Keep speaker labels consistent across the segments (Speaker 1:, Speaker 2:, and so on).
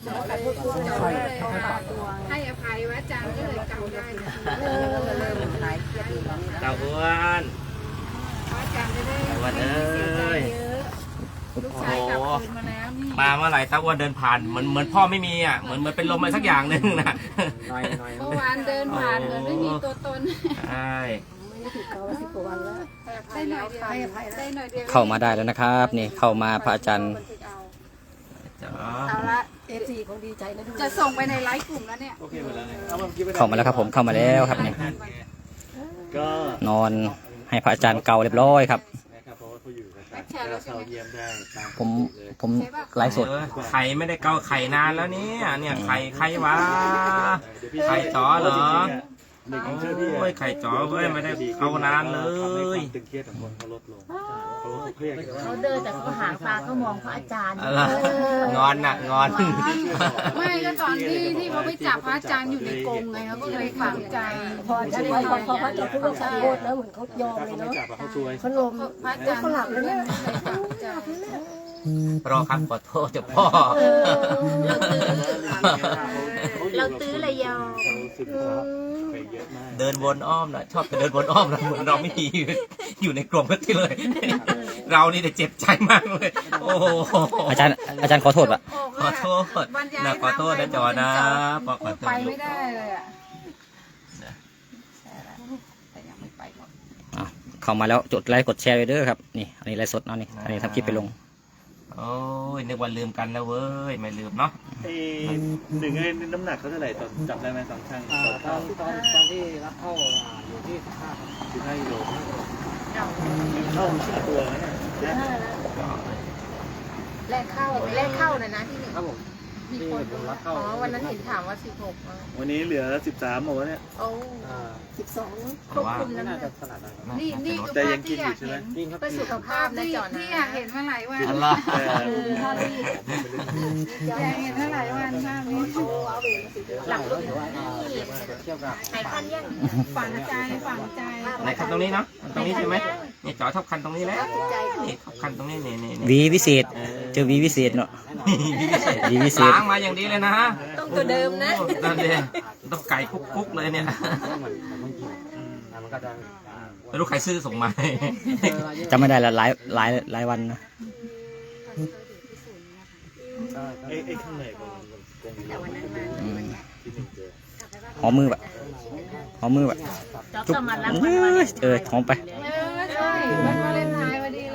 Speaker 1: ให้อภัยว่าอาจารย์ก็เลยเก่าได้
Speaker 2: เต่าอ้วน
Speaker 1: อาจารย์จะได้
Speaker 2: วันเอ้ย
Speaker 1: ลูกชายกลับคืนมาแล้วนี่
Speaker 2: มาเมื่อไหร่เต่าอ้วนเดินผ่านเหมือนพ่อไม่มีอ่ะเหมือนเป็นลมอะไรสักอย่างหนึ่งนะ
Speaker 1: เมื่อวานเดินผ่านเหมือนไม่มีตัวตน
Speaker 2: ใช่
Speaker 1: ได้หน่อยเดียวได้หน่อยเดียว
Speaker 3: เข้ามาได้แล้วนะครับนี่เข้ามาพระอาจารย์
Speaker 1: เอาละFC คงดีใจนะจะส่งไปในไลฟ์กลุ่มแล้วเนี่ย
Speaker 3: เข้ามาแล้วครับผมเข้ามาแล้วครับนี่
Speaker 4: ก็
Speaker 3: นอนให้พระอาจารย์เกาเรียบร้อยครับ
Speaker 4: นะครับเพราะว่าเขาอยู่กัน
Speaker 1: แบ็คแชร์แล้วใช่
Speaker 4: เข้า
Speaker 1: ไหม
Speaker 4: เยี่ยมได้ตาม
Speaker 3: ผมไลฟ์สด
Speaker 2: ไข่ไม่ได้เกาไข่นานแล้วเนี่ยไข่วะไข่จ๋อเหรอ
Speaker 4: หนึ่งเชื่อพี่
Speaker 2: โอ้ยไข่จ๋อเว้ยไม่ได้เกานานเลย
Speaker 4: ตึงเครียดของคนเขาลดลงเขาเครียด
Speaker 5: เขาเดินแต่เขาหางตาเขามองพระอาจารย์
Speaker 2: อะไรงอนน่ะงอน
Speaker 1: ไม่ก็ตอนที่เขาไปจับพระอาจารย์อยู่ในกรงไงเขาก็เลยฝังใจ
Speaker 5: พอพระอาจารย์พูดว่าขอโทษแล้วเหมือนเขายอม
Speaker 4: ถ้า
Speaker 5: เลย
Speaker 4: เขาไม่
Speaker 5: เนาะ
Speaker 4: จับเขาช่วย
Speaker 5: เขาลม
Speaker 1: พระอาจารย์เขาหลับแล้วเนี่ยฝังใจ
Speaker 2: รอครับขอโทษเจ้าพ่อ
Speaker 5: เราตื้อระยอง
Speaker 4: เขาสึกไปเยอะมาก
Speaker 2: เดินวนอ้อมนะชอบไปเดินวนอ้อมนะเหมือนเราไม่มีอยู่ในกรงกันที่เลย เรานี่แต่เจ็บใจมากเลยโอ้โห
Speaker 3: อาจารย์ขอโทษปะ
Speaker 2: ขอโทษนะขอโทษนะจอนะขอโทษ
Speaker 1: ไปไม่ได้เลยอ่ะแต่ยังไม่ไปหรอก
Speaker 3: อ่ะเข้ามาแล้วจดไลค์กดแชร์ไว้เด้อครับนี่อันนี้ไลฟ์สดเนาะนี่อันนี้ทำคลิปไปลง
Speaker 2: โอ้ยนึกว่าลืมกันแล้วเว้ยไม่ลืมเนาะ
Speaker 4: หนึ่งน้ำหนักเขาเท่าไหร่ตอนจับได้ไหมตอนช่างตอนที่รับเข้าอยู่ที่15 กิโลเข้าตัวนะเนี่ย
Speaker 5: แรกเข้านะที่หนึ่ง
Speaker 4: ครับผม
Speaker 5: มีคนอ๋อวันนั้นเห็นถามว่า16
Speaker 4: วันนี้เหลือ13หมดแล้วเนี่ย
Speaker 5: โอ้12ควบคุมน้ำหนัก
Speaker 1: นี่คือ
Speaker 4: แต่
Speaker 1: ภา
Speaker 4: ยั
Speaker 1: พ
Speaker 4: งกิ
Speaker 1: ที่
Speaker 4: น
Speaker 1: อ
Speaker 4: อยู่
Speaker 1: ยาก
Speaker 4: ใช่ไหม
Speaker 1: เห็น
Speaker 5: เพื่อสุขภาพนะ
Speaker 1: ที่
Speaker 5: จอนะ
Speaker 1: ที่อยากเห็นมาหลายวัน
Speaker 2: อะไร
Speaker 1: อยากเห็นมาหลายวันมากเลย
Speaker 5: หลังรถนี่หายคันยัง
Speaker 1: ฝังใจฝังใจ
Speaker 2: ไหนคันตรงนี้เนาะตรงนี้ใช่ไหมนี่จอทับคันตรงนี้แล้วนี่ทับคันตรงนี้นี่
Speaker 3: วีวิเศษเจอวีวิเศษเนาะวีวิเศษ
Speaker 2: ล้างมาอย่างดีเลยนะ
Speaker 5: ต้องตัวเดิมนะ
Speaker 2: นั่นเลยต้องไก่คุกๆเลยเนี่ยไม่รู้ใครซื้อส่งมา
Speaker 3: จำไม่ได้ละหลายวันนะ
Speaker 4: ไอ้ข้างในมัน
Speaker 3: อืม
Speaker 4: ที่หนึ่งเจอ
Speaker 3: หอมมือแบบหอมมือแบบ
Speaker 5: จอบก็มารับ
Speaker 3: หอมไป
Speaker 1: ใช่วันวาเลนไทน์พอดีเลย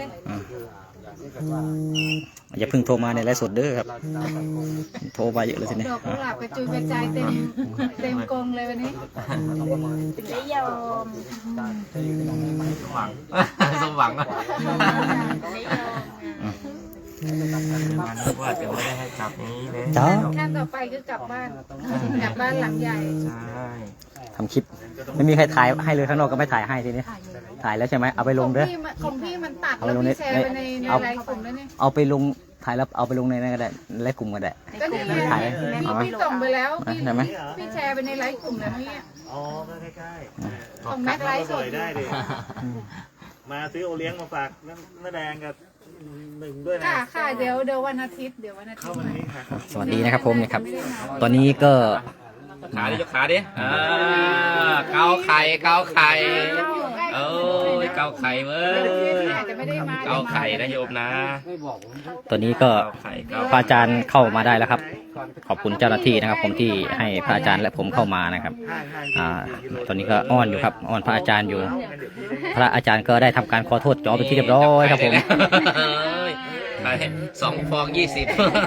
Speaker 3: อย่าเพิ่งโทรมาในไลฟ์สดเด้อครับโทรมาเยอะเลยทีนี้
Speaker 1: ดอกกุหลาบกระจุยกระจายเต็มกรงเลยวันนี้
Speaker 5: ถึงได้ยอม
Speaker 2: สมหวังสมหวังอะ
Speaker 5: ได้ยอม
Speaker 2: มันนึกว่าจะไม่ได้ให้จับนี้เลย
Speaker 3: จ้า
Speaker 1: ขั้นต่อไปคือกลับบ้านหลังใหญ่
Speaker 2: ใช่
Speaker 3: ทำคลิปไม่มีใครถ่ายให้เลยข้างนอกก็ไม่ถ่ายให้ทีนี้ถ่ายแล้วใช่ไหมเอาไปลงเด้อ
Speaker 1: ของพี่มันตัดแล้วพี่แชร์ไปในไลน์กลุ่มแล้วเนี่ย
Speaker 3: เอาไปลงถ่ายแล้วเอาไปลงในนั้นก็ได้ไลฟ์กลุ่มก็ได้
Speaker 1: ก็นี่ไง
Speaker 3: ถ่ายเอาไหม
Speaker 1: พี่ส่งไปแล้วพี่
Speaker 3: ได้ไหม
Speaker 1: พี่แชร์ไปในไลน์กลุ่มแล้วเนี่ย
Speaker 4: อ๋อก็ใกล้ๆ
Speaker 1: ของแม็กไลฟ์สด
Speaker 4: ได้ดิมาซื้อโอเลี้ยงมาฝากน้าแดงกับหนึ่งด้วยนะ
Speaker 1: ค่ะเดี๋ยววันอาทิตย์
Speaker 4: เข้ามานี้ค่ะ
Speaker 3: สวัสดีนะครับผมเนี่ยครับ ตอนนี้ก็
Speaker 2: ขาดิยกขาดิเกาไข่เอ้ยเกาไข่เว้ย
Speaker 1: อาจจะไม่ได้มา
Speaker 2: เกาไข่นะโยมนะ
Speaker 3: ตอนนี้ก็
Speaker 2: เกาไข่เกา
Speaker 3: พระอาจารย์เข้ามาได้แล้วครับ ขอบคุณเจ้าหน้าที่นะครับ ผมที่ให้พระอาจารย์และผมเข้ามานะครับตอนนี้ก็อ้อนอยู่ครับอ้อนพระอาจารย์อยู่ พระอาจารย์ก็ได้ทำการขอโทษจอเป็นที่เรียบร้อยครับผม
Speaker 2: ไข่2 ฟอง 20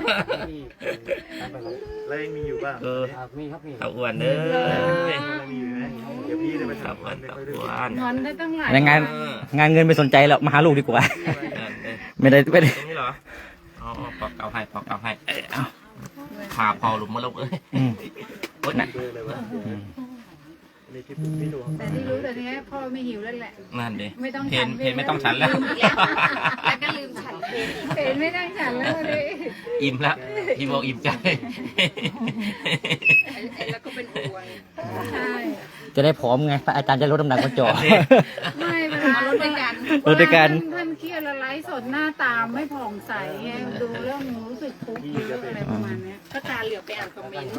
Speaker 4: แล้วยังมีอยู่บ้าง
Speaker 2: เอาอ้วนเด้อ
Speaker 4: มีอยู่ไหมเดี๋ยวพี่จะไป
Speaker 2: เอา
Speaker 4: ทำ
Speaker 2: อ้วน
Speaker 4: ไม่
Speaker 2: เอา
Speaker 4: ค่อยได้
Speaker 2: อ้วน
Speaker 1: งอนได้ตั้งหลาย
Speaker 3: งานเงินไม่สนใจแล้วมาหาลูกดีกว่า ไม่ได้
Speaker 2: ตรงนี้เหรออ๋อปอกเกาให้ขาพอหลุมมาลงเอ้ย โอ๊ย
Speaker 4: เบอร์เลยวะนี่คลิปพี่ดู
Speaker 1: แต่ที่รู้แต่นี้พ่อไม่หิวแล้วแหละ
Speaker 2: นั่นดิ
Speaker 1: ไม่ต้อง
Speaker 2: เพ
Speaker 1: ฉั
Speaker 2: น
Speaker 1: น
Speaker 2: เพนไม่ต้องฉันแล้ว
Speaker 5: แล้วก็ลืมฉันเพลง
Speaker 1: เพนไม่ต้องฉันแล้วเลย
Speaker 2: อิ่มแล้วพี่บอกอิ่มใจ
Speaker 5: แล้วก็เป็นห่วง
Speaker 1: ใช่
Speaker 3: จะได้ผอมไงพระอาจารย์จะลดน้ำหนักมาจอ
Speaker 1: ไม่เวลา
Speaker 5: รถด้วยกัน
Speaker 3: รถด้วยกัน
Speaker 1: ท่านเครียดละไลฟ์สดหน้าตาไม่ผ่องใสไงดูเรื่องรู้สึกทุกข์เยอะอะไรประมาณเนี้ยก็ตาเหลือบไปอ่านคอมเมนต์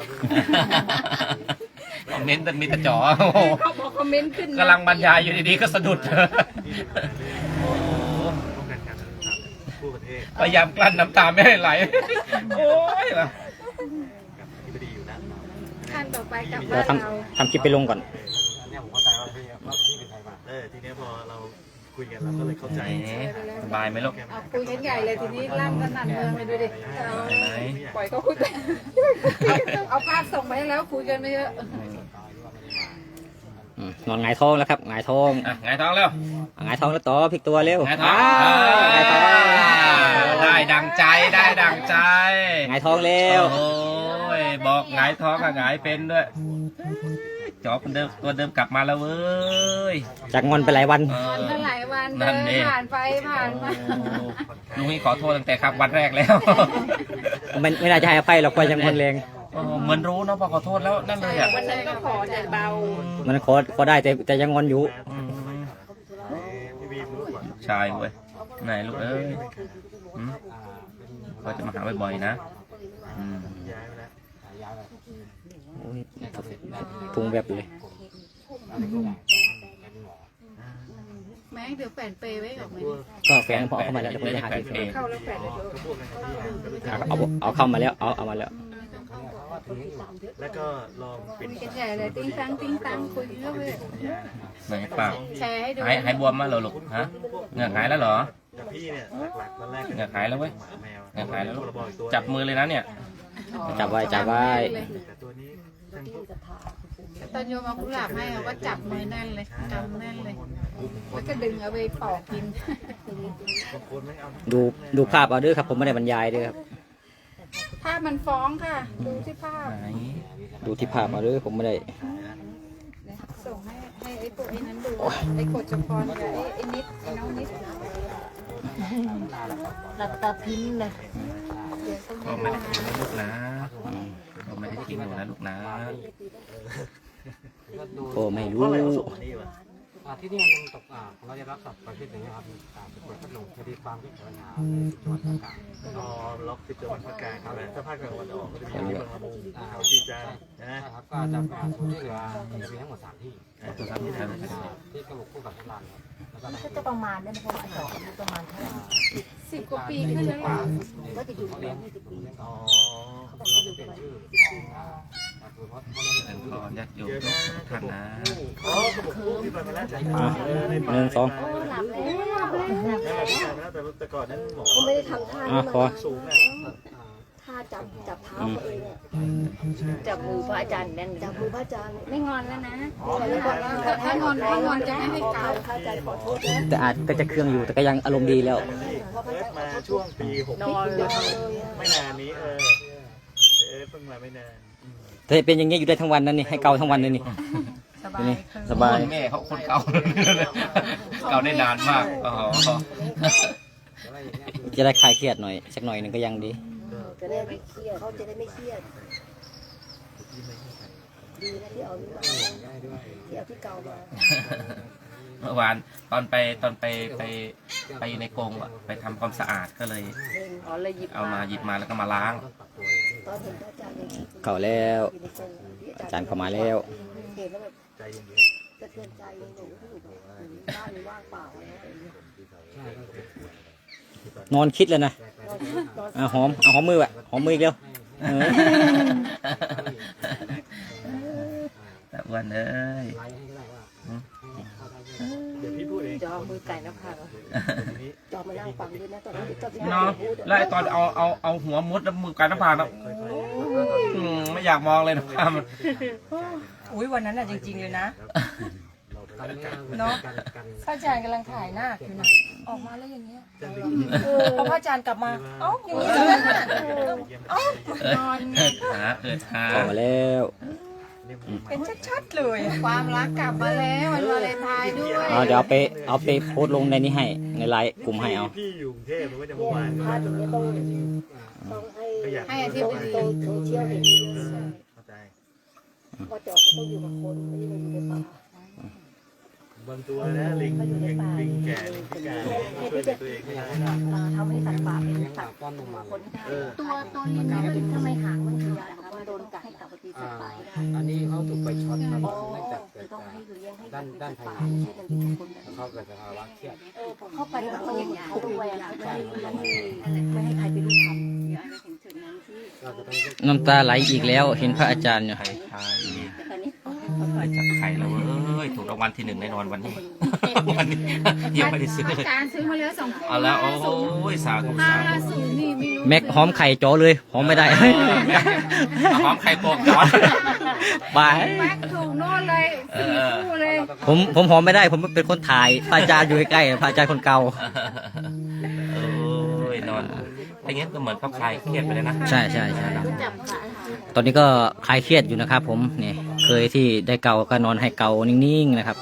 Speaker 2: คอมเมนต์แต่มีแต่จ๋อโอ้โห
Speaker 1: เขาบอกคอมเมนต์ขึ้น
Speaker 2: กำลังบรรยายอยู่ดีๆก็สะดุด โอ้โห
Speaker 4: ป้องกันการทำตามผู้ประเทศ
Speaker 2: พยายามกลั้นน้ำตาไม่ให้ไหล โอ้ยล่ะ
Speaker 4: ที่ไม่ดีอยู่นะ
Speaker 1: ขั้นต่อไปกลับ
Speaker 3: เดี๋ย
Speaker 1: บ้า
Speaker 3: วน
Speaker 1: เรา
Speaker 3: ทำคลิปไปลงก่อน
Speaker 5: เนี่ยผมเข้าใจว่าพี่เป็นใครมา
Speaker 4: ทีนี้พอเราคุยกันเราก็เลยเข้าใจ
Speaker 2: แหมสบายไหมลูก
Speaker 1: เอาคุยกันใหญ่เลยทีนี้ลั่นกันหนันเมืองเลยดูดิเอา
Speaker 2: ไหน
Speaker 1: ปล่อยเขาคุยไปเอาภาพส่งไปให้แล้วคุยกันไม่เยอะ
Speaker 3: นอนหงายท้องแล้วครับหงายท้อง
Speaker 2: อ่ะไงท้องเร็ว
Speaker 3: หงายท้องแล้วต่อพลิกตัวเร็ว
Speaker 2: ไงท้อง
Speaker 3: หงายท้อง
Speaker 2: ได้ดังใจได้ดังใจ
Speaker 3: หงายท้องเร็ว
Speaker 2: โอ้ยบอกหงายท้องกับหงายเป็นด้วยจอบคนเดิมตัวเดิมกลับมาแล้วเว้ย
Speaker 3: จากงอนไปหลายวัน
Speaker 1: วันเท่าไหร่วัน
Speaker 2: นั่
Speaker 1: เดิ
Speaker 2: นเอง
Speaker 1: นผ่านไปผ่านมา
Speaker 2: ลุงนี่ขอโทษตั้งแต่ครับวันแรกแล้ว
Speaker 3: ไม่น่าจะให้อภัยหรอกไปยังงอนแรง
Speaker 2: เหมือนรู้เนาะพอขอโทษแล้วนั่นเลยอ่ะ
Speaker 1: วันนั้นก็ขอแต่เบา
Speaker 3: มันขอได้แต่ยังงอนอยู่
Speaker 4: พี่บีมรู้ก่อน
Speaker 2: ชายเว้ยไหนลูกเอ้ยหืมก็จะมาหาบ่อยๆนะอืม
Speaker 4: ย้ายไปแล้ว
Speaker 3: โอ้ยพุงแบบเลย
Speaker 1: แม่เดี๋ยวแฝนเปย์ไว้กับมัน
Speaker 3: ก็แฟนพอเอาเข้ามาแล้วเดี๋ยวผมจะหาที่
Speaker 1: เข้าแล้วแฝนเลยเดี๋ยว
Speaker 4: ก็พวกนั้นที่ก็รู้จัก
Speaker 3: เอาเข้ามาแล้วเอามาแล้ว
Speaker 4: แล้วก็ลองปิ
Speaker 1: คุ
Speaker 4: ด
Speaker 1: ยกันใหญ่เลยติ้งตังคุยกันเรื่อย
Speaker 2: ไหนเปล่า
Speaker 1: ๆแชร์ให้ดู
Speaker 2: หายบวมมาเหรอลูกฮะเหงือกหายแล้วเหรอ
Speaker 4: แต่พี่เนี่ยหลักๆตอนแรก
Speaker 2: เหงือกหายแล้วเว้ย
Speaker 4: แมว
Speaker 2: เหงือกหายแล้วลูก
Speaker 4: พรบอีกตัว
Speaker 2: จับมือเลยนะเนี่ย
Speaker 3: จับไว้
Speaker 4: แต่ตัวนี้ทั้งพวก
Speaker 1: ตอนโยมเอากุหลาบให้เราก็จับมือแน่นเลยกำแน่นเลยแล้วก็ดึงเอาไปปอกกิน
Speaker 4: บางคนไม่เอา
Speaker 3: ดูภาพเอาด้วยครับผมไม่ได้บรรยายด้วยครับ
Speaker 1: ภาพมันฟ้องค่ะ ดูที่ภาพ
Speaker 2: ไหน
Speaker 3: ดูที่ภาพเอาด้วยผมไม่ได้
Speaker 1: ส่งให้ไอ้พวกไอ้นั้นดูไอ้กดจพรกับไอ้นิดไอ้น้องนิด
Speaker 5: หลับตาพิ้นเลย
Speaker 1: เดี๋ยวต้อง
Speaker 2: ก็
Speaker 1: ให้
Speaker 2: ไม่ได้กินนะลูกนะก็ไม่ได้กินหนูนะลูกนะ
Speaker 3: ก็ไม่
Speaker 4: เพ
Speaker 3: รู้
Speaker 4: ราะอะไรเขาส่งมานี่วะ
Speaker 5: ที่นี่มันตกเราจะรับสับประเภทอย่างนี้ครับเป็นเปิดพัดลมคดีความที่เกิดมาจังหวัดตาก
Speaker 4: อ๋อล็อกติดจังหวัดภาคกลางใช่ไหมถ้าภาคกลางวันออกก็จะมีที่บางละมุงเขาชีจันทร์นะ
Speaker 5: ครับก็จะเป็นศูนย์ที่เหลือจะมีทั้งหมด3ที่ที่กระบอกคู่กับทุกร้านครับแล้วก็
Speaker 6: จะประมาณได้ไหมคะว่าดอกมันประมาณเท่าไหร่
Speaker 1: 10 กว่าปีขึ้นแล้วล่ะ
Speaker 6: ก็จะอยู่ประมาณ20 ปี
Speaker 4: อ๋อ
Speaker 5: เราจะเป็นชื่อคือเพราะ
Speaker 2: ขอญาติโยม
Speaker 4: เดี๋ยว
Speaker 2: ทุ
Speaker 4: นะ
Speaker 2: กท่านนะ
Speaker 4: อ๋อกระบอกคู่ที่ไปมาแล้วจาก
Speaker 3: หนึ่งสอง
Speaker 6: โอ้หลับแล้ว
Speaker 4: นั่นแหละที่ไปมาแล้วแต่ก่อนนั้นหมอ
Speaker 6: เขาไม่ได้ทำท่า
Speaker 3: อ่ะ
Speaker 6: นี้
Speaker 3: ขอ
Speaker 6: มา
Speaker 4: สูงอ่ะ
Speaker 6: ท่าจับเท้าตัวเองอะ
Speaker 5: จับมือพระอาจารย์แน่น
Speaker 6: จับมือพระอาจารย์
Speaker 1: ไม่งอนแล้วนะ
Speaker 6: แล้วก็
Speaker 1: ถ้างอนจะไม่ให้เกา
Speaker 6: พระอาจารย์ขอโทษนะ
Speaker 3: แต่อาจก็จะเครื่องอยู่แต่ก็ยังอารมณ์ดีแล้ว
Speaker 6: เพราะพระ
Speaker 4: เอิ
Speaker 6: อา
Speaker 4: ร์ธ
Speaker 6: จารย์ขอโทษ
Speaker 4: มาช่วงปี6
Speaker 6: นอนเลยอะ
Speaker 4: ไม่นานนี้เพิ่งมาไม่นาน
Speaker 3: ถ้าเป็นอย่างนี้อยู่ได้ทั้งวันนั่นนี่ให้เกาทั้งวันเลยนี่
Speaker 1: สบาย
Speaker 3: นี่สบาย
Speaker 2: แม่เขาคนเก่า เก่าได้นานมากอ๋อ
Speaker 3: จะได้คลายเครียดหน่อยสักหน่อยหนึ่งก็ยังดี
Speaker 6: จะได้ไม่เครียดเขาจะได้ไม่เครียดดีนะที่เอานี่มาที่เอาที่เก่ามา
Speaker 2: เมื่อวานตอนไปอยู่ในกรงอะไปทำความสะอาดก็เลย
Speaker 1: อ๋อเลยหยิบ
Speaker 2: เอามาหยิบมาแล้วก็มาล้าง
Speaker 6: ตอนเห็นพระอาจารย์ยัง
Speaker 3: เก่าแล้ว
Speaker 6: อยู่ในกรงที่
Speaker 3: อาจารย์เข้ามาแล้ว
Speaker 6: เห็นแล้วแบบ
Speaker 4: ใจเย็น
Speaker 6: สะเทือนใจหนูที่อยู่แบบบ้านว่างเปล่าแล้ว
Speaker 3: นอนคิดเลยนะ
Speaker 6: นอน
Speaker 3: หอมเอาหอมมืออะหอมมืออีกเร็วเออ
Speaker 2: แต่อ้วันเอ้ย
Speaker 4: เดี๋ยวพี่พูดเอง
Speaker 1: จอมือไก่นะค่ะ
Speaker 4: ทีนี้
Speaker 6: จอมานั่งฟังด้วยนะตอนที่ตอนที่
Speaker 2: เนาะแล้วไอ้ตอนเอาหัวมุดแล้วมือกันหน้าผากแล้วไม่อยากมองเลยนะภาพมัน
Speaker 7: อุ้ยวันนั้นอ่ะจริงๆเลยนะ เนาะพระอาจารย์กำลังถ่ายหน้าอยู่นะออกมาแล้วอย่างเงี้ยพอพระอาจารย์กลับมาเอ้าอย่างนี้เลยนะ
Speaker 1: นอน
Speaker 2: หา
Speaker 3: เข้ามาแล้ว
Speaker 7: เป็นชัดๆเลย
Speaker 1: ความรักกลับมาแล้ววันวาเลนไทน์ด้วย
Speaker 3: เดี๋ยวเอาไปโพสต์ลงในนี้ให้ในไลน์กลุ่มให้เอา
Speaker 4: พี่อยู่กรุงเทพมันก็จะเมื่อวาน
Speaker 6: พาตรงนี้ต้องให้
Speaker 4: ก็อยาก
Speaker 1: ให้อาทิตย์ดี
Speaker 6: โซเชียลเห็น
Speaker 4: เข้าใจ
Speaker 6: พอจอเขาต้องอยู่กับคนไม่ได้มาอยู่ในป่า
Speaker 4: บางตัวนะลิงแก่ลิงพิการช่วยตัวเองไม่ได้
Speaker 6: ทำให้สัตว์ป่าเป็น
Speaker 5: เลี้ยง
Speaker 6: สั
Speaker 5: ป
Speaker 6: ต
Speaker 5: ลา
Speaker 6: ว์
Speaker 5: ป้อนนมมัน
Speaker 6: คนได้
Speaker 1: ตัวลิงเนี่ยมัน
Speaker 6: ทำไมหางมันขยายนะคะมันโดนกัดให้กลับมาตีสัตว์ป่าได้
Speaker 5: อันนี้เขาถูกไปช็อตครับเนื่องจากเกิ
Speaker 6: คือ
Speaker 5: ด
Speaker 6: ต้อง
Speaker 5: จาก
Speaker 6: ให้เลี้ยงให้
Speaker 5: ด้านภาย
Speaker 6: ป่า
Speaker 5: ใน
Speaker 6: ที่มันเป็นคนแบบ
Speaker 5: เขาเกิดจากภาวะเครียด
Speaker 6: เข้าไปแล้วเขาด้วยไม่ให้ใครไปรู้ทำ
Speaker 5: เราจะต้อง
Speaker 3: น้ำตาไหลอีกแล้วเห็นพระอาจารย์อยู่
Speaker 2: ไข่ได้จับไข่แล้วเว้ยถูกรางวัลที่1แน่นอนวันนี้ วันนี้ยังไม่ได้ซื้อเลย
Speaker 1: อาจารย์ซื้อมาแล้ว2 คู่
Speaker 2: เอาแล้วโอ้ยสาธุสาธุ
Speaker 1: 50นี่ไม่รู้
Speaker 3: แม็กหอมไข่จ่อเลยหอมไม่ได้
Speaker 2: หอมไข่โปกจอด
Speaker 3: บาย
Speaker 1: แม็กถูกโน่นเลย4 คู่เลย
Speaker 3: ผมหอมไม่ได้ ผมเป็นคนถ่ายพระอาจารย์อยู่ใกล้ๆพระอาจารย์คนเก่า
Speaker 2: โอ้ยนอนอย่างเงี้ยก็เหมือนเขาคลายเครียดไปเลยนะ
Speaker 3: ใช่ตอนนี้ก็คลายเครียดอยู่นะครับ ผมนี่เคยที่ได้เกาก็นอนให้เกานิ่งๆนะครับ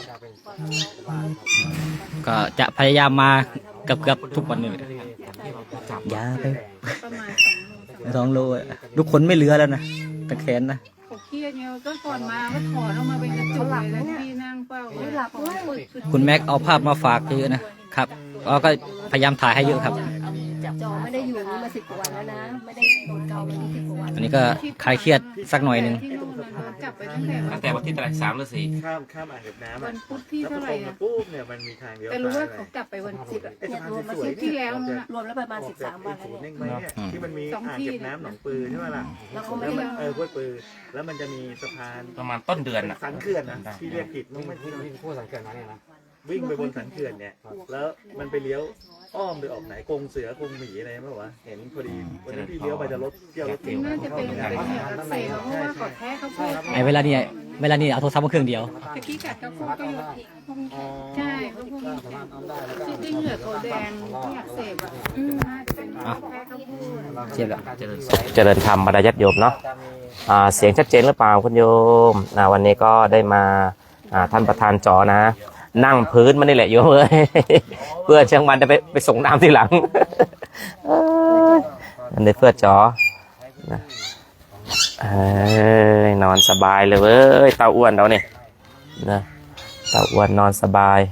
Speaker 3: ก็จะพยายามมาเกือบทุกวันนี้อย่าไป
Speaker 1: ประมาณ
Speaker 3: 2
Speaker 1: 2 โล
Speaker 3: โลอะทุกคนไม่เหลือแล้วนะตะแขนนะ
Speaker 1: เขาเครียดไงก็ก่อนมาก็ถอนออกมาเป็นกระจุกเลยแล้วที่นั่งเป้าหลับด้วย
Speaker 3: คุณแม็กเอาภาพมาฝากเยอะนะครับก็พยายามถ่ายให้เยอะครับ
Speaker 6: จอไม่ได้อยู่นี่มา10 กว่าวันแล้วนะไม่ได้โดนเกามาที่10 กว่าวัน
Speaker 3: อันนี้ก็คลายเครียดสักหน่อยหนึ่ง
Speaker 1: ที่นู่นน่ะโดนจับไปตั้งแต่
Speaker 2: ตั้งแต่วันที่เท่าไหร่3 หรือ 4
Speaker 4: ข้ามอ่างเก็บน้ำ
Speaker 1: วั
Speaker 4: อ่ะ
Speaker 1: นพุธที่
Speaker 4: แล้วพ
Speaker 1: เท่า
Speaker 4: อ
Speaker 1: ไห
Speaker 4: ต
Speaker 1: ร่
Speaker 4: รงมา
Speaker 1: อะ
Speaker 4: ปุ๊บเนี่ยมันมีทางเลี้ยว
Speaker 1: แต่รู้ว่าเขากลับไปวันศุกร์อะ
Speaker 4: ไอ้สะพาน
Speaker 1: รวมมา
Speaker 4: สวย
Speaker 1: ศุกร์ที่แล้วนะ
Speaker 6: รวมแล้วประมาณ13 วันแล้ว
Speaker 4: ศูนย์
Speaker 6: เนี่ย
Speaker 4: เน่งไหมเนี่ยที่มันมีอ่างเก็บน้ำหนองปือใช่ไหมล่ะ
Speaker 6: แล้วเขาไม่
Speaker 4: แล้ว
Speaker 6: ได้
Speaker 4: มันห้วยปือแล้วมันจะมีสะพาน
Speaker 2: ประมาณต้นเดือนอ่ะ
Speaker 4: สันเขื่อนนะที่เรียกผิดมันไม่
Speaker 5: วิ่งคู่สังเกตมาเนี่ยนะ
Speaker 4: วิ่งไปบนสันเขื่อนเนี่ยแล้วมันไปเลี้ยวอ้อมไปออกไหนกรงเสือกรงหมีอะไรไม่รู้วะเห็นพอดีวันนี้พี่เลี้ยวไปจะรถเที่ยวรถเก๋ง
Speaker 1: น่าจะเป็นเหงื่ออักเสบเพราะว่าเขาแพ้เขาพูด
Speaker 3: ไอ้เวลานี้เอาโทรศัพท์มาเครื่องเดียว
Speaker 1: ตะกี้กัดเขาพูดก็ใช่เขาพูด
Speaker 5: สามารถทำได้แล้วก็
Speaker 1: ที่เหงื่อเขาแดงที่อักเสบอ่ะน่าจะเป็นแพ้เขาพูด
Speaker 3: เจ็บแล้ว
Speaker 2: เจริญธรรมบรรดาญาติโยมเนาะเสียงชัดเจนหรือเปล่าคุณโยมวันนี้ก็ได้มาท่านประธานจอนะ นั่งพื้นมันนี่แหละโยมเอ้ย เพื่อเชียงมันจะไปส่งน้ำทีหลัง อันนี้เพื่อจอนะนอนสบายเลยเว้ยเต้าอ้วนเราเนี่ยนะเต้าอ้วนนอนสบาย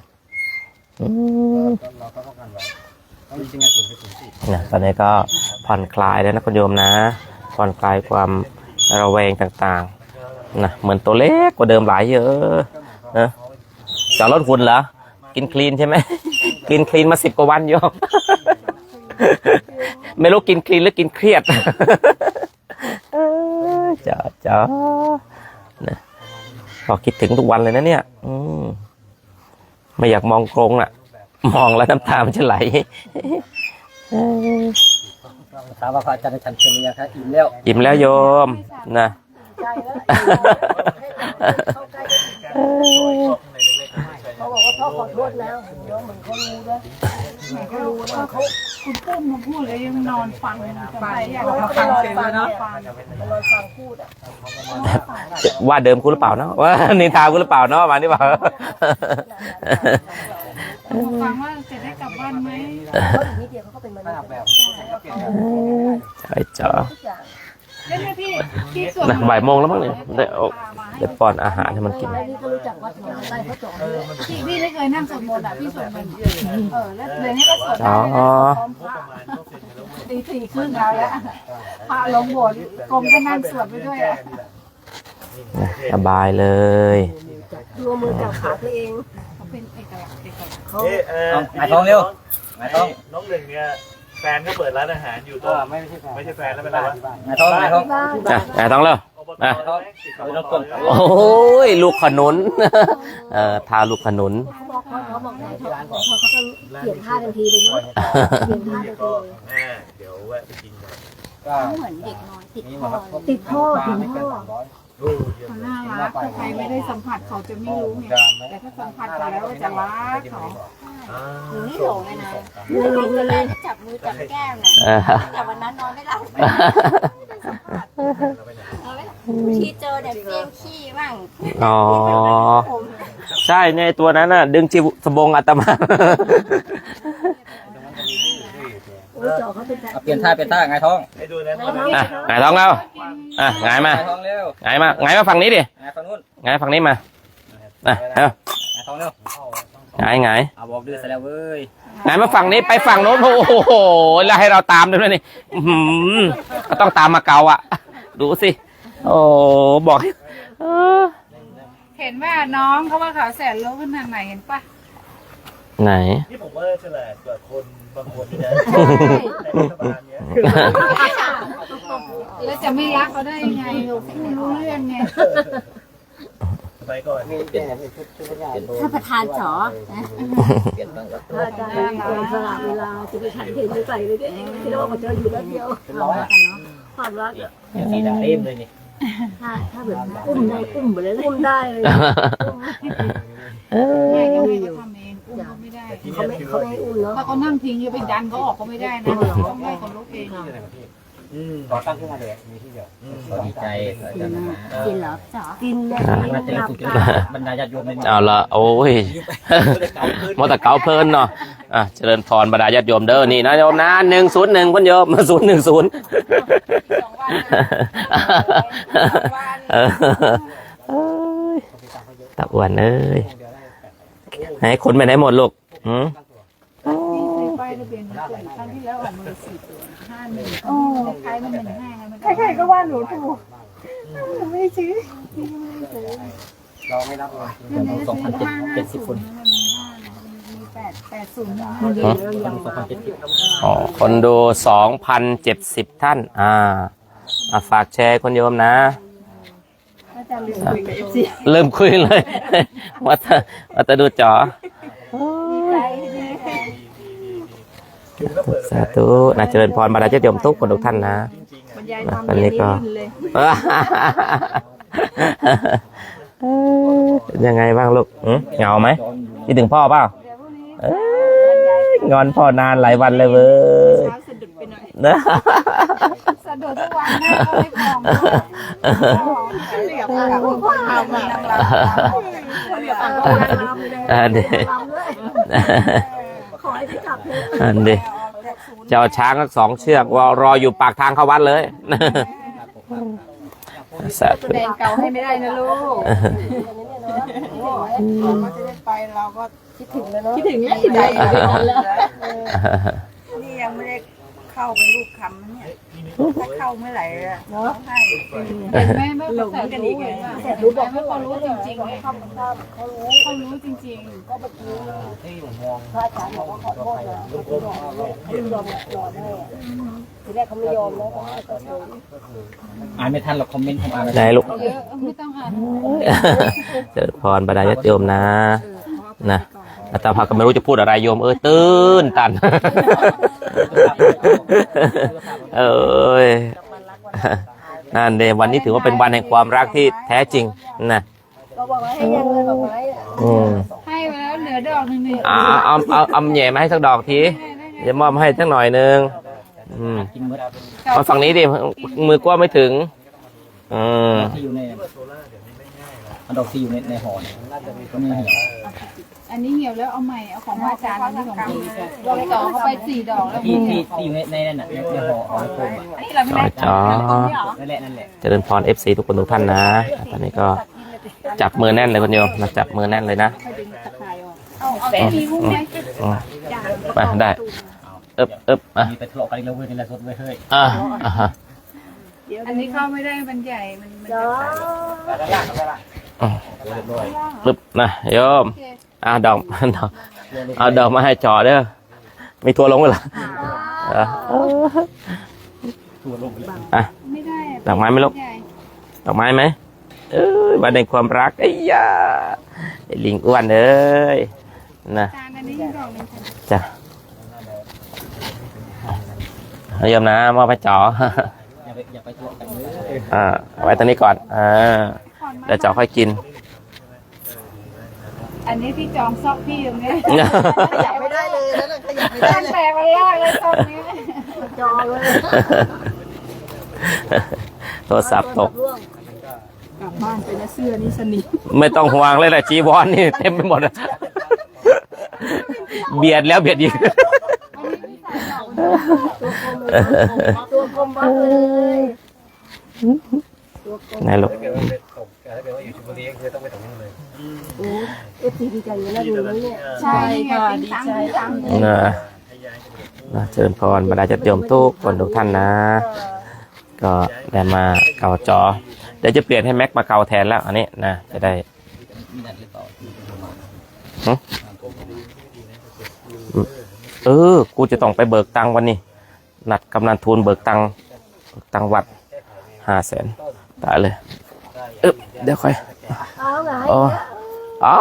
Speaker 2: นะตอนนี้ก็ผ่อนคลายแล้วนะคุณโยมนะผ่อนคลายความระแวงต่างๆนะเหมือนตัวเล็กกว่าเดิมหลายเยอะนะจะลดหุ่นเหรอกินคลีนใช่ไหม กินคลีนมา10 กว่าวันโยม ไม่รู้กินคลีนหรือกินเครียด จ๋านะพอคิดถึงทุกวันเลยนะเนี่ยไม่อยากมองกรงน่ะมองแล้วน้ำตามันจะไหล
Speaker 3: ถามว่าพระอาจารย์ฉันเชิญยังครับอิ่มแล้ว
Speaker 2: อิ่มแล้วโยมนะ
Speaker 6: เขาบอกว่าพ่อขอโทษแล้วเดี๋ยวเหมือนเขารู้ด้วย
Speaker 1: ก็รู้ว่าเขาคุณปุ้มมาพูดเลยยังนอนฟังไปอยาก
Speaker 6: เรา
Speaker 1: มา
Speaker 6: ก็
Speaker 1: ฟัง
Speaker 6: นอน
Speaker 1: เสียง
Speaker 6: ฟัง
Speaker 1: เนาะ
Speaker 6: นอนฟังพูดอ่ะ
Speaker 2: ว่าเดิมกูหรือเปล่าเนาะว่านินทากูหรือเปล่าเนาะมานี่เปล่า
Speaker 1: ฟังว่าจะได้กลับบ้านไหม
Speaker 6: เขาอีกนิดเดียวเขาก็เป็นมนุษย์
Speaker 2: ใช่จ๋า
Speaker 6: ทุกอย่าง
Speaker 1: เล่นไหมพี่ส่วน
Speaker 2: นะบ่ายโมงแล้วมั้งเนี่ยได้ป้อนอาหารให้มันกิน
Speaker 6: แล้วนี่ก็รู้จักวัดหนองไร่เขาจ่อเลย
Speaker 1: พี่ไม่เคยนั่งสวดมนต์อ่ะพี่สวดมนต์แล้วเลยให้ก็สวด
Speaker 2: อ๋อ
Speaker 1: ตี 4:30แล้วพระลงโบสถ์กรมก็นั่งสวดไปด้วยอ่ะ
Speaker 2: สบายเลย
Speaker 6: ดูมือจับขาตัวเอง
Speaker 1: เขาเป็นเอกลักษณ์เขา
Speaker 3: หายท้องเร็วหายท้อง
Speaker 4: น้องหนึ่งเนี่ยแฟนก็เปิดร้านอาหารอยู่ตรง
Speaker 5: ไม่ใช่แฟน
Speaker 4: ไม่ใช่แฟนแล้วเป็นอะไรวะ
Speaker 3: หายท้องหายท้อง
Speaker 2: อ่ะต้องแล้ว
Speaker 4: อ่ะ
Speaker 2: โอ้ยลูกขนุน ทาลูกขนุน
Speaker 6: เขาบอกไหนเขาก็เปลี่ยนท่าทันทีเลยเนาะเปลี่ยนท่าทันทีเลย
Speaker 4: เดี๋ยวแวะไปกินกัน
Speaker 6: เหมือนเด็กน้อยติดพ่อถึงพ่อ
Speaker 1: เขาน่ารักถ้าใครไม่ได้สัมผัสเขาจะไม่รู้ไงแต่ถ้าสัมผัสเขาแล้วจะรักเขา
Speaker 6: หนูนี่หลงเลยนะหลงเลยจับมือจับแก้มนะแต่วันนั้นนอนไม่หลับที่เจอเด็กเฟี้ยงขี้บ้าง
Speaker 2: อ๋อ ใช่ในตัวนั้นน่ะ ดึงจีสบงอาตมา
Speaker 6: จ่อเขาเป็น
Speaker 3: เปลี่ยนท่าหงายท้อง
Speaker 4: ให้ดูนะ
Speaker 2: หงายท้องแล้วหงายมา
Speaker 3: หงายท้องเร็ว
Speaker 2: หงายมาฝั่งนี้ดิ
Speaker 3: หงายฝั่งนู้น
Speaker 2: หงายฝั่งนี้มาเอา
Speaker 3: หงายทองเร็ว
Speaker 2: ไง
Speaker 3: เอาบอกดื้อซะแล้วเว้ย
Speaker 2: ไหนมาฝั่งนี้ไปฝั่งโน้นโอ้โหแล้วให้เราตามด้วยนี่อื้อหือก็ต้องตามมาเกาอ่ะ ดูสิโอ้บอกให้
Speaker 1: เห็นว่าน้องเขาว่าเขาแสนรู้ขนาดไหนเห็นปะ
Speaker 2: ไหน
Speaker 4: นี่ผมว่าฉลาดกว่าคนบางคนนะในรัฐบาลเนี้ย
Speaker 1: แล้วจะไม่รักเขาได้ยังไงไม่รู้เรื่องไง
Speaker 4: สมัยก่อน
Speaker 6: ถ้าประธานสอ
Speaker 1: อาจารย์สละเวลาจะไปฉันเห็นใส่เลยดิที่เราบอกเจออยู่แล้วเดียวความรัก
Speaker 3: สีดาเล่มเลยนี่
Speaker 6: ถ้าแบบอุ้มได้อุ้มไปเลยอุ้มได้เลย
Speaker 1: ไม่ก็ไม่ก็ทำเองอุ้มก็ไม่ได้
Speaker 6: เขาไม่อุ้มเนาะ
Speaker 1: ถ้าเขานั่งทิ้งจะไปดันเขาออกก็ไม่ได้นะต้องให้เขาลุกเอง
Speaker 5: ก่อตั้งขึ้นมาเลยมีที่เดียว
Speaker 3: ดีใจอาจารย์นะ
Speaker 6: กินเหรอจ๋อกินเลย
Speaker 3: มาเจอสุดบรรดาญาติโยมใน
Speaker 2: เอาละโอ้ยมอตะเกาเพลินเนาะเจริญพรบรรดาญาติโยมเด้อนี่นะโยมนะ101คนโยม010ตะอ้วนเอ้ยให้คนไปไหนหมดลูก
Speaker 1: ไปทะเบียนครั้งที่แล้วออกมา4 ตัว51คล้ายๆมัน15ใครๆก็ว่าหนูถูกหนูไม่ได้ซื้อ
Speaker 5: เราไม่รับเลย
Speaker 3: 2,770 คน
Speaker 1: มี80
Speaker 2: คนดู2,070 ท่านฝากแชร์คนโยมนะเริ่มคุยเลยว่าจะดูจอสาธุนะเจริญพรบรรดาญาติโยมทุกคนทุกท่านนะวันนี้ก็ยังไงบ้างลูกเหงาไหมคิดถึงพ่อเปล่างอนพ่อนานหลายวันเลยเว้ย
Speaker 1: สะดุดทุกวันแม่ก็ไม่พองเหลียบกับพ่อทำนางรำเหลียบกับพ่อนางรำเลยขอให้พี่จับเลย
Speaker 2: เจ้าช้างทั้ง2 เชือกรออยู่ปากทางเข้าวัดเลย
Speaker 1: แสดงเก่าให้ไม่ได้นะลูกเราจะได้ไปเราก็คิดถึงแล้วเนาะคิดถึงแล้วนี่ยังไม่ได้เข้าไปลูกคำเนี่ยถ้าเข้าเมื่อไหร่เนาะให้แม่ไม่หลงกันอีกไงแต่รู้บอกให้เขารู้จริงๆเขารู้จริงๆก็เมื่อกี้ที่ผมมองพระอาจารย์บอกว่าขอโทษนะเขายอมรอได้ทีแรกเขาไม่ยอมแล้วก็
Speaker 3: อ่านไม่ทันหรอกคอมเมนต์ผมอ่าน
Speaker 2: ไหนลูก
Speaker 1: ไม่ต้องอ่าน
Speaker 2: เจริญพรบรรดาญาติโยมนะอาตมาก็ไม่รู้จะพูดอะไรโยมตื้นตันนั่นเดวันนี้ถือว่าเป็นวันแห่งความรักที่แท้จริงนะ
Speaker 6: เราบอกว่าให้ยังเลยบอกไว้
Speaker 1: ให้ไปแล้วเหลือดอกนึงนี่
Speaker 2: เอาแหย่มาให้สักดอกทีจะมอบให้สักหน่อยนึงมาฝั่งนี้ดิมือกว้างไม่ถึง
Speaker 3: ที่อยู่ในดอกที่อยู่ในหอก็ไม่เหี่ยว
Speaker 1: อันนี้เหี่ยวแล้วเอาใหม่เอาของอาจารย์อันนี้ของพี่ลองต่อเข้าไป4 ดอกแล้ว
Speaker 3: ที่อยู่ในนั่นน่ะในหอโคมนั่นแหละ
Speaker 2: เจริญพร FC ทุกคนทุกท่านนะตอนนี้ก็จับมือแน่นเลยคนโยมนะจับมือแน่นเลยนะไปได้
Speaker 3: มีไปทะเลาะกันแล้วเว้ยนี่แหละสดเว้ยเฮ้ย
Speaker 1: อันนี้เข้าไม่ได้มันใหญ่มัน
Speaker 2: ปึ๊บนะโยมดอกเอาดอกมาให้จอเด้อมีทัวลงเหรอ
Speaker 1: ไม่ได้
Speaker 2: ดอกไม้ไหมลูกดอกไม้ไหมวันแห่งความรักไอ้ยาไอ้ลิงอ้วนเอ้ยนะจ้ะโยมนะมอบให้จอ
Speaker 3: อย่าไปทะเลาะกัน
Speaker 2: ไว้ตรงนี้ก่อนเดี๋ยวจอค่อยกิน
Speaker 1: อันนี้พี่จองซอกพี่ตรงนี้
Speaker 6: ขยับไม่ได้เลยแล้วขยับไม่ได้เลย
Speaker 1: แปลกมันยากเลยซอกนี้
Speaker 6: จองเลย
Speaker 2: โทรศัพท์ตก
Speaker 1: กลับบ้านไปนะเสื้อนี่สนิท
Speaker 2: ไม่ต้องห่วงเลยแหละจีวรนี่เต็มไปหมดเบียดแล้วเบียดอีก
Speaker 6: ตัวกลมบ้าเลย
Speaker 2: ไหนลูก
Speaker 5: ถ้าเกิดว่าไปตกถ้าเกิดว่าอยู่ชลบุรีก็คือต้องไปตกนู่นเลย
Speaker 7: ใช่ค่ะดีใจ
Speaker 2: นะเชิญพรบรรดาญาติโยมทุกคนทุกท่านนะ ก็ได้มาเกาจอเดี๋ยวจะเปลี่ยนให้แม็กมาเกาแทนแล้วอันนี้นะจะได้กูจะต้องไปเบิกตังค์วันนี้นัดกำนันทูลเบิกตังค์วัด500,000ตายเลยเดี๋ยวค่อยอ๋อ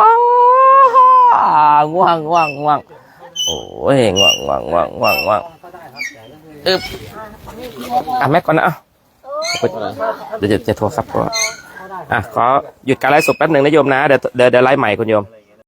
Speaker 2: ง่วงโอ้ยง่วงแม็กก่อนนะเดี๋ยวจะโทรศัพท์ก่อนขอหยุดการไลฟ์สดแป๊บหนึ่งนะโยมนะเดี๋ยวไลฟ์ใหม่คุณโยม